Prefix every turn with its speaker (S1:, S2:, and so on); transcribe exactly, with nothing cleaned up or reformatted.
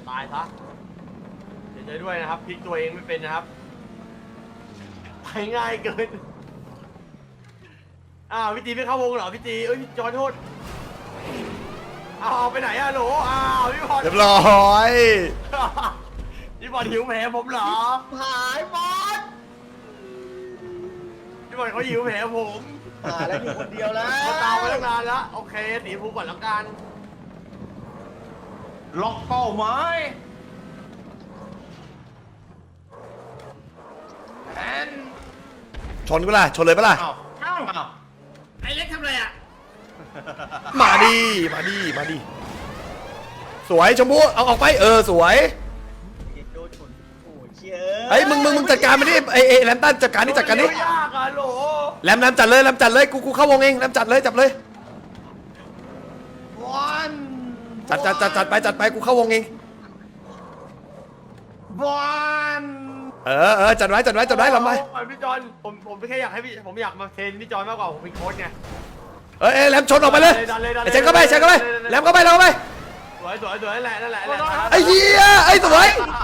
S1: ตายซะเสียใจด้วยนะครับพลิกตัวเองไม่เป็นนะครับไปง่ายเกินอ้าวพี่ตีไม่เข้าวงเหรอพี่ตีเอ้ยจอโทษอ้าวไปไหนอะโหลอ้าวพี่พร
S2: เรียบร้อย
S1: พี่บอลหิวแผลผมเหรอ
S3: หายบอส
S1: พี่บอลเขาหิวแผลผม
S3: หายแล้วอยู่คนเดียวแล้ว
S1: เขาตามมาตั้งนานแล้วโอเคตีภูก่อนแล้วกัน
S4: ล็อกเป้าหมายแอน
S2: ชนกูล่ะชนเลยปะล่ะ
S4: อ้าวอ้าวอ้าว
S1: ไอ้เล็กทำอะไรอ่ะ
S2: มาดิมาดิมาดิสวยชมพู่เอาออกไปเออสวย
S3: โดนชนโอ้ยเชี่ย
S2: ไอ้ยมึงมึงมึงจัดการมันดิไอ้ไอ้แรมตันจัดการนี่จัดการนี่
S1: ยากอะโหล
S2: แรมแรมจัดเลยแรมจัดเลยกูกูเข้าวงเองแรมจัดเลยจับเลย
S4: วัน
S2: จัดจัดจัดจัดไปจัดไปกูเข้าวงเอง
S4: วัน
S2: เออเออจัดไว้จัดไว้จัดไว้ลำไป
S1: พี่จอนผมผมแค่อยากให้พี่ผมอยากมาเทรนพี่จอนมากกว่าผมเป็นโค้ชไง
S2: เอ้ยเอ้ยแรมชนออกไปเลย
S1: ดันเลยดันเลย
S2: ไอ้เชนเข้าไปเชนเข้าไปแรมเข้าไปแรมเข้าไป
S1: สวยสวยสวยนั่นแหละนั่นแหละนั่นแหละ
S2: ไอ้เหี้ยไอ้สวย
S1: อ